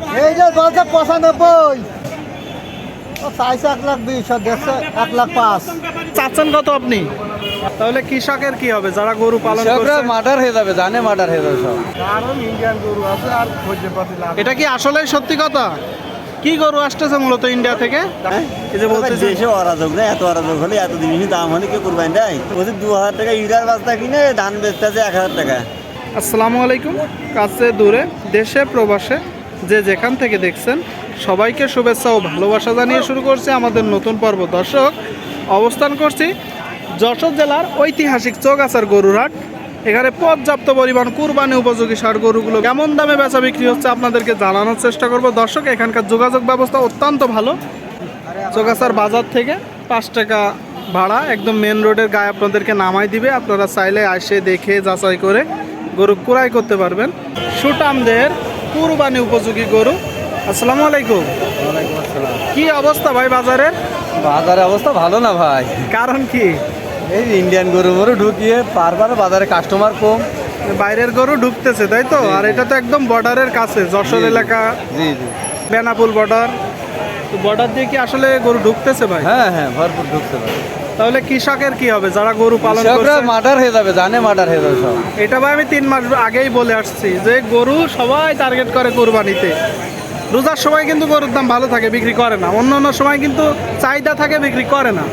এই যে বলছে 95, ও চাইছে 1,20,000, দেখছে 1,05,000। চাচ্ছেন কত আপনি? তাহলে কৃষকের কি হবে যারা গরু পালন কৃষকরা করছে? মার্ডার হয়ে যাবে, জানে মার্ডার হয়ে যাবে সব। কারণ ইন্ডিয়ান গরু আছে আর খোঁজে লাভ। এটা কি আসলেই সত্যি কথা? কি গরু আসতেছে মূলত ইন্ডিয়া থেকে? এই যে বলতেছে দেশে অরাজক না, এত অরাজক হলে এত জিনিস দাম হলে কেউ কুরবানি দেয়? বলছে 2,000 টাকা ইউরিয়ার বস্তা কিনে ধান বেচতেছে 1,000 টাকা। আসসালামু আলাইকুম। কাছে দূরে দেশে প্রবাসে যে যেখান থেকে দেখছেন সবাইকে শুভেচ্ছা ও ভালোবাসা জানিয়ে শুরু করছি আমাদের নতুন পর্ব। দর্শক, অবস্থান করছি যশোর জেলার ঐতিহাসিক চৌগাছার গরুর হাট। এখানে পর্যাপ্ত পরিমাণ কুরবানি উপযোগী ষাঁড় গরুগুলো কেমন দামে বেচা বিক্রি হচ্ছে আপনাদেরকে জানানোর চেষ্টা করব। দর্শক, এখানকার যোগাযোগ ব্যবস্থা অত্যন্ত ভালো। চৌগাছার বাজার থেকে 5 টাকা ভাড়া, একদম মেন রোডের গায়ে আপনাদেরকে নামাই দিবে। আপনারা চাইলে এসে দেখে যাচাই করে গরু ক্রয় করতে পারবেন। সুটামদের কুরবানি উপযোগী গরু। আসসালামু আলাইকুম। ওয়ালাইকুম আসসালাম। কি অবস্থা ভাই বাজারের? বাজারের অবস্থা ভালো না ভাই। কারণ কি? এই ইন্ডিয়ান গরু মরু ঢুকিয়ে বারবার বাজারে কাস্টমার কম। বাইরের গরু ঢুকতেছে, তাই তো? আর এটা তো একদম বর্ডারের কাছে, যশোর এলাকা, জি জি। বেনাপুল বর্ডার। তো বর্ডার দিয়ে কি আসলে গরু ঢুকতেছে ভাই? হ্যাঁ হ্যাঁ, ভরপুর ঢুকতে পারে। তাহলে কৃষকের কি হবে যারা গরু পালন কৃষকরা করছে? মার্ডার হয়ে যাবে, জানে মার্ডার হয়ে যাবে সব। এটা ভাই আমি 3 মাস আগেই বলে আসছি যে গরু সবাই টার্গেট করে কুরবানিতে। রোজার সময় কিন্তু গরুর দাম ভালো থাকে, বিক্রি করে না। অন্য অন্য সময় কিন্তু চাহিদা থাকে, বিক্রি করে না।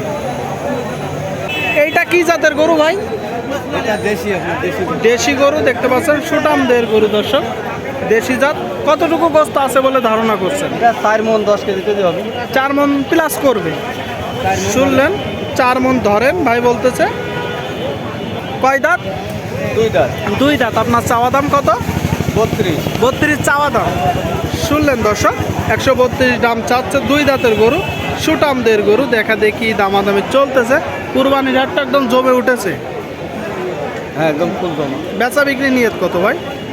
এইটা কি জাতের গরু ভাই? এটা দেশি, আপনার দেশি। দেশি গরু দেখতে পাচ্ছেন, সুটামদের গরু। দর্শক, দেশি জাত। কতটুকু গোস্ত আছে বলে ধারণা করছেন? এটা 4 মণ 10 কেজি কেজি হবে। 4 মণ প্লাস করবে। শুনলেন, 4 মণ ধরেন ভাই বলতেছে। কয় দাঁত? 2 দাঁত। 2 দাঁত। আপনার চাওয়া দাম কত? 32। 32 চাওয়া দাম। শুনলেন দর্শক, 132 দাম চাচ্ছে। 2 দাঁতের গরু, সুটামদের গরু। দেখা দেখি দামাদামি চলতেছে। কুরবানির হাটটা একদম জমে উঠেছে। হ্যাঁ, একদম ফুল জমা। বেচা বিক্রি নিয়ত কত ভাই?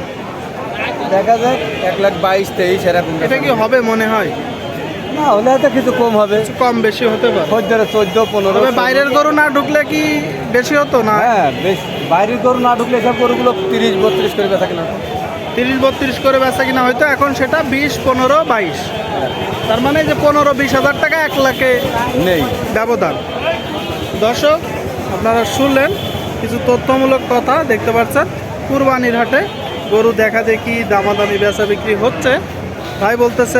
দেখা যাক 1,22,23 এরকম। এটা কি হবে মনে হয়? না হলে তো কিছু কম হবে, কিছু কম বেশি হতে পারে। খদ্দের 14-15। তবে বাইরের গরু না ঢুকলে কি বেশি হতো না? হ্যাঁ, বেশ। বাইরের গরু না ঢুকলে সব গরুগুলো 30-32 করে বেচা কিনা। 30-32 করে বেচা কিনা হয়তো, এখন সেটা 20-15-22। তার মানে যে 15-20 হাজার টাকা 1 লাখে নেই ব্যবধান। দর্শক, আপনারা শুনলেন কিছু তথ্যমূলক কথা। দেখতে পাচ্ছেন কুরবানির হাটে গরু দেখা দেখি দামাদামি বেচা বিক্রি হচ্ছে। ভাই বলতেছে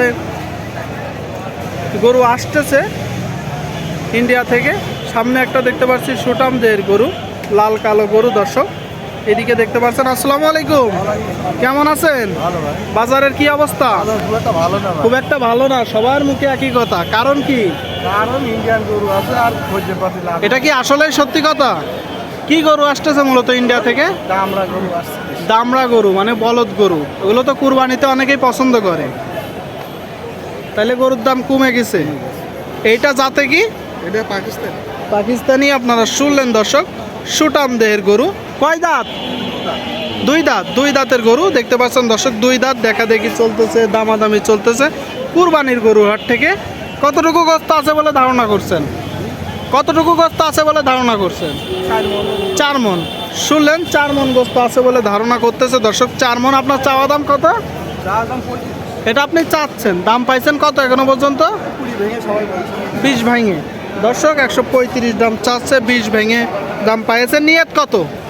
গরু আসতেছে ইন্ডিয়া থেকে। সামনে একটা দেখতে পাচ্ছি সুটামদের গরু, লাল কালো গরু। দর্শক, এদিকে দেখতে পাচ্ছেন। আসসালামু আলাইকুম, কেমন আছেন? ভালো ভাই। বাজারের কি অবস্থা? খুব একটা ভালো না খুব একটা ভালো না, সবার মুখে একই কথা। কারণ কি? কারণ ইন্ডিয়ান গরু আছে আর খোঁজে লাভ। এটা কি আসলেই সত্যি কথা? কি গরু আসতেছে মূলত ইন্ডিয়া থেকে? দামরা গরু আসছে। দামড়া গরু মানে বলদ গরু। ওগুলো তো কুরবানিতে অনেকেই পছন্দ করে। তাহলে গরুর দাম কমে গেছে। এইটা জাতে কি? এটা পাকিস্তান। পাকিস্তানি। আপনারা শুনলেন দর্শক, সুটামদের গরু। কয় দাঁত? 2 দাঁত। 2 দাঁতের গরু দেখতে পাচ্ছেন দর্শক। 2 দাঁত। দেখা দেখি চলতেছে, দামাদামি চলতেছে কুরবানির গরু হাট থেকে। কতটুকু গোস্ত আছে বলে ধারণা করছেন? কতটুকু গোস্ত আছে বলে ধারণা করছেন? 4 মণ। শুনলেন, 4 মণ গোস্ত আছে বলে ধারণা করতেছে দর্শক। 4 মণ। আপনার চাওয়া দাম কত? এটা আপনি চাচ্ছেন, দাম পাইছেন কত এখনো পর্যন্ত? 20 ভেঙে সবাই বলছে। 20 ভেঙে। দর্শক, 135 দাম চাচ্ছে, 20 ভেঙে দাম পাইছে। নিয়ত কত?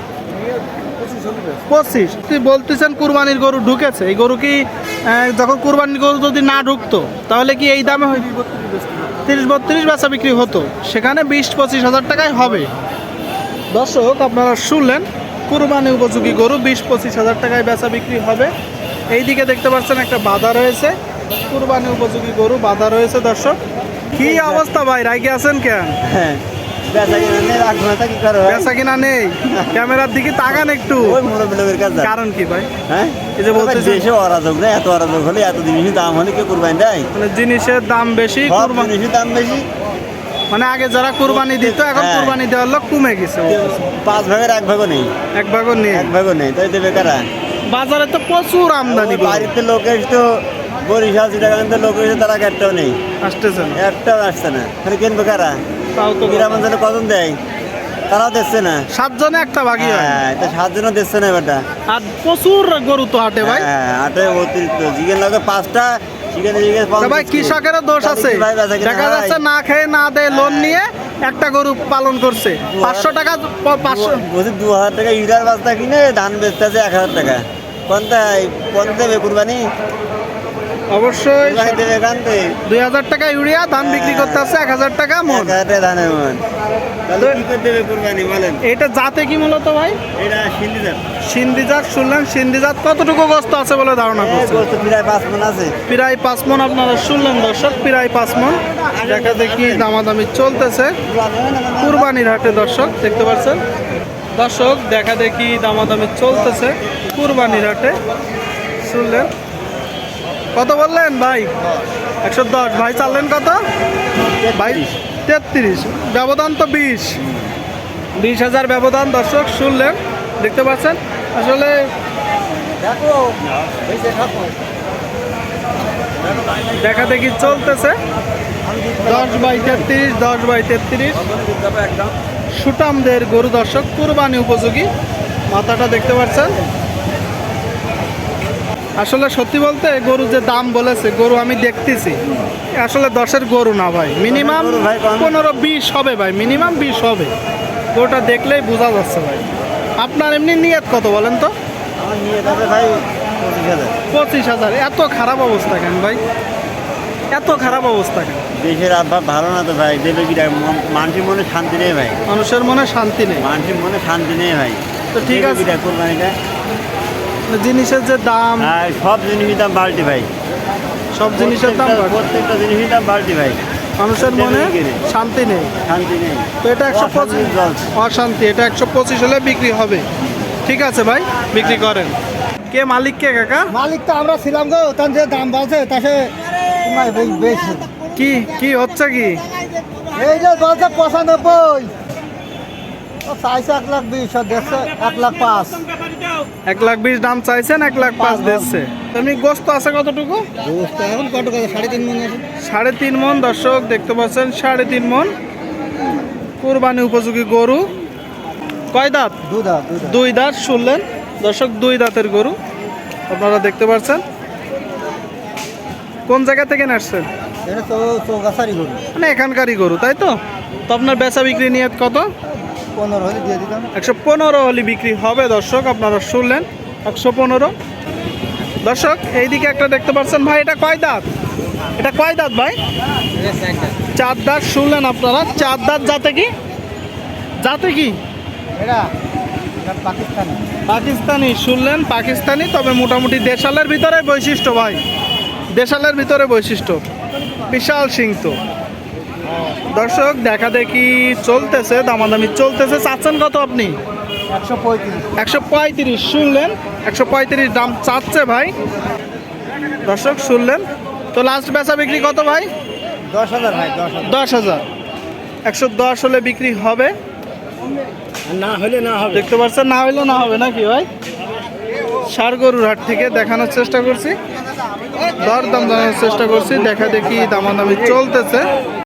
25। তুই বলতেছেন কুরবানির গরু ঢুকেছে। এই গরু কি যখন কুরবানির গরু যদি না ঢুকতো তাহলে কি এই দামে হয়? 30-32 বেচা বিক্রি হতো, সেখানে 20-25 হাজার টাকায় হবে। দর্শক, আপনারা শুনলেন, কুরবানি উপযোগী গরু 20-25 হাজার টাকায় বেচা বিক্রি হবে। এইদিকে দেখতে পাচ্ছেন একটা বাধা রয়েছে, কুরবানি উপযোগী গরু বাধা রয়েছে। দর্শক, কি অবস্থা ভাই, রাইগে আছেন কেন? হ্যাঁ, বেচা কিনা নেই, রাখবো না তা কি করো? বেচা কিনা নেই? ক্যামেরার দিকে তাকান একটু। ওই মুরব্বি লোকের কাছে যান। কারণ কি ভাই? হ্যাঁ, এই যে বলতেছেন দেশে অরাজক না, এত অরাজক হলে এত জিনিস দাম হলে কেউ কুরবানি দেয়? মানে জিনিসের দাম বেশি, সব জিনিসের দাম বেশি। মানে আগে যারা কুরবানি দিত এখন হ্যাঁ। কুরবানি দেওয়ার লোক কমে গেছে। 5 ভাগের 1 ভাগও নেই। 1 ভাগও নেই। 1 ভাগও নেই, তাই দেবে কারা? বাজারে তো প্রচুর আমদানি গরু। বাড়িতে লোক এসে বরিশাল চিটাগাঙ্গের লোক এসে তারা একটাও নেই, আসতেছে না। একটাও আসছে না। তাহলে কিনবে কারা? তাও তো গ্রামাঞ্চলে কজন দেয়? তারাও দিচ্ছে না। 7 জনে একটা ভাগই হয়। হ্যাঁ, তা 7 জনও দিচ্ছে না বেটা। আর প্রচুর গরু তো হাটে ভাই। হ্যাঁ, 8 অতিরিক্ত জিগের লগে 5টা সেখানে জিজ্ঞেস তা ভাই কৃষকেরও দোষ আছে, দেখা যাচ্ছে না খেয়ে না দেয় লোন নিয়ে একটা গরু পালন করছে 500 টাকা 500 বলছি 2000 টাকা ইউরিয়ার বস্তা কিনে ধান বেচতেছে 1000 টাকা। কোন দেবে কুরবানি? অবশ্যই কুরবানি দেবে এখান থেকে 2000 টাকা ইউরিয়া ধান বিক্রি করতে আছে 1000 টাকা মন। 1000 টাকা ধানের মন, তাহলে কি করে দেবে কুরবানি বলেন? এটা জাতে কি মূলত ভাই? এটা সিন্ধি জাত। সিন্ধি জাত শুনলেন, সিন্ধি জাত কতটুকু গোস্ত আছে বলে ধারণা করছেন? গোস্ত প্রায় 5 মণ আছে। প্রায় 5 মণ আপনারা শুনলেন দর্শক, প্রায় 5 মণ। দেখা দেখি দামাদামি চলতেছে কুরবানির হাটে দর্শক, দেখতে পাচ্ছেন দর্শক, দেখা দেখি দামাদামি চলতেছে কুরবানির হাটে। শুনলেন কত বললেন ভাই? 110। ভাই চাললেন কত? ভাই 33। ব্যবধান তো 20,000 ব্যবধান দর্শক, শুনলেন, দেখতে পাচ্ছেন। আসলে দেখা দেখি চলতেছে 10/33, 10/33 সুটামদের গরু দর্শক, কুরবানি উপযোগী। মাথাটা দেখতে পাচ্ছেন। আসলে সত্যি বলতে গরু যে দাম বলেছে, গরু আমি দেখতেছি আসলে 10-এর গরু না ভাই, মিনিমাম 15-20 হবে ভাই, মিনিমাম 20 হবে। গরুটা দেখলেই বোঝা যাচ্ছে ভাই। আপনার এমনি নিয়ত কত বলেন তো? আমার নিয়ে যাবে ভাই 25,000। 25,000। এত খারাপ অবস্থা কেন ভাই? এত খারাপ অবস্থা কেন? দেশের আবহাওয়া ভালো না তো ভাই, দেবে কি? মানুষের মনে শান্তি নেই ভাই, মানুষের মনে শান্তি নেই। মানুষের মনে শান্তি নেই ভাই। তো ঠিক দেবে আছে, কিটা কুরবানিটা? জিনিসের যে দাম, আর সব জিনিসের দাম বাড়তি ভাই, সব জিনিসের দাম বাড়ছে। প্রত্যেকটা জিনিসের দাম বাড়তি ভাই, মানুষের মনে শান্তি নেই। শান্তি নেই। তো এটা 125 অশান্তি, এটা 125 হলে বিক্রি হবে। ঠিক আছে ভাই, বিক্রি করেন। কে মালিক, কে কাকা? মালিক তো আমরা ছিলাম গো, তার যে দাম বলছে তাতে বেশি। কি কি হচ্ছে কি? এই যে বলছে 95, ও চাইছে 1,20,000, দেখছে 1,05,000। 1,20,000 দাম চাইছেন, 1,05,000 দিচ্ছে। তুমি গোস্ত আছে কতটুকু? এখন কত করে? 3.5 মণ আছে। 3.5 মণ দর্শক, দেখতে পাচ্ছেন 3.5 মণ কুরবানি উপযোগী গরু। কয় দাঁত? 2 দাঁত। 2 দাঁত শুনলেন দর্শক, 2 দাঁতের গরু আপনারা দেখতে পাচ্ছেন। কোন জায়গা থেকে আসছেন? এটা তো চৌগাছারি গরু। মানে এখানকারই গরু, তাই তো? তো আপনার বেচা বিক্রি নিয়ত কত? 15 হলে দিয়ে দিতাম। 115 হলে বিক্রি হবে দর্শক, আপনারা শুনলেন 115। দর্শক এইদিকে একটা দেখতে পাচ্ছেন ভাই, এটা কয় দাঁত? এটা কয় দাঁত ভাই? 4 দাঁত শুনলেন আপনারা, 4 দাঁত। জাতে কি? জাতে কি? এটা পাকিস্তানি। পাকিস্তানি শুনলেন, পাকিস্তানি, তবে মোটামুটি দেশালের ভিতরে বৈশিষ্ট্য ভাই, দেশালের ভিতরে বৈশিষ্ট্য, বিশাল সিং। তো দর্শক দেখা দেখি চলতেছে, দামাদামি চলতেছে। চাচ্ছেন কত আপনি? 135। 135 শুনলেন, 135 দাম চাচ্ছে ভাই দর্শক, শুনলেন। তো লাস্ট বেচা বিক্রি কত ভাই? 10,000 ভাই, 10,000। 10,000। 110 হলে বিক্রি হবে। না হলে না হবে। দেখতে পাচ্ছেন, না হলে না হবে নাকি ভাই? ষাড় গরুর হাট থেকে দেখানোর চেষ্টা করছি, দরদাম জানানোর চেষ্টা করছি। দেখা দেখি দামাদামি চলতেছে।